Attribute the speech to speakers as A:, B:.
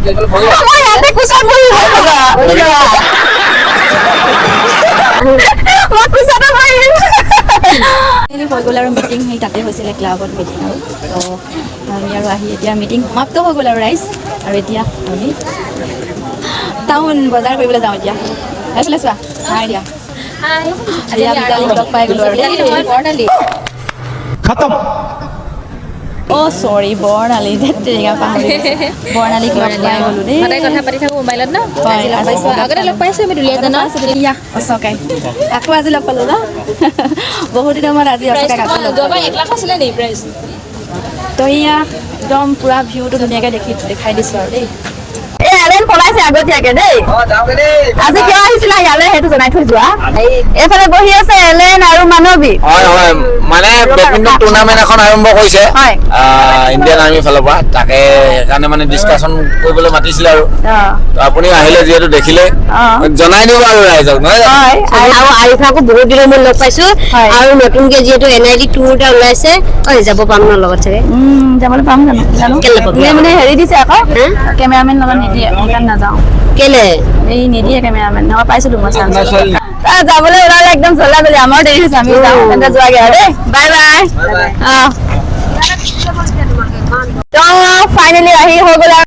A: হৈ গ'ল আৰু মিটিং সেই তাতে হৈছিলে ক্লাবত মিটিং আৰু তো আমি আৰু আহি এতিয়া মিটিং সমাপ্ত হৈ গ'ল আৰু ৰাইজ আৰু এতিয়া আমি টাউন বজাৰ কৰিবলৈ যাওঁ এতিয়া এইফালে চোৱা হাই দিয়া লগ পাই গ'লো আৰু বৰ্ণালী
B: खत्म
A: অ' চৰি বৰ্ণালী টেঙা পাহৰি বৰ্ণালীক লগ পাই গ'লো দেই
C: সদায় কথা পাতি থাকোঁ মোবাইলত ন আগতে লগ পাইছোঁ আমি দুলীয়াজানত
A: অচকাই আকৌ আজি লগ পালোঁ ন বহুত দিনৰ মূৰত আজি অচকাই আকৌ লগ
C: যোৱাবাৰ 1 লাখ আছিলে নি প্ৰাইচ
A: তো এয়া একদম পুৰা ভিউটো ধুনীয়াকৈ দেখাই দিছোঁ আৰু দেই পলাইছে আগতীয়াকে দেই আজি কিয় আহিছিলা ইয়ালে সেইটো জনাই থৈ যোৱা এইফালে বহি আছে এলেন আৰু মানৱী
D: হয় হয় মানে বেডমিণ্টন টুৰ্ণামেণ্ট এখন আৰম্ভ কৰিছে ইণ্ডিয়ান আৰ্মিৰ ফালৰ পৰা তাকে সেইকাৰণে মানে ডিছকাশ্যন কৰিবলৈ মাতিছিলে আৰু আপুনি আহিলে যিহেতু দেখিলে জনাই দিব আৰু ৰাইজক নহয়
E: আৰু আৰিফাকো বহুত দিনৰ মূৰত লগ পাইছোঁ আৰু নতুনকে যিহেতু NID টুৰ এটা ওলাইছে যাব পাম ন লগত চাগে
A: যাবলৈ পাম জানো মানে হেৰি দিছে আকৌ কেমেৰামেন লগত নিদিয়ে সেইকাৰণে নাযাওঁ
E: কেলে
A: এই নিদিয়ে কেমেৰামেন নহয় পাইছিলোঁ মই যাবলৈ ওলালে একদম চলা গ'লে আমাৰ দেৰি হৈছে আমি যাওঁ তেন্তে যোৱাগে আৰু দেই বাই বাই তো ফাইনেলি আহি হৈ গ'ল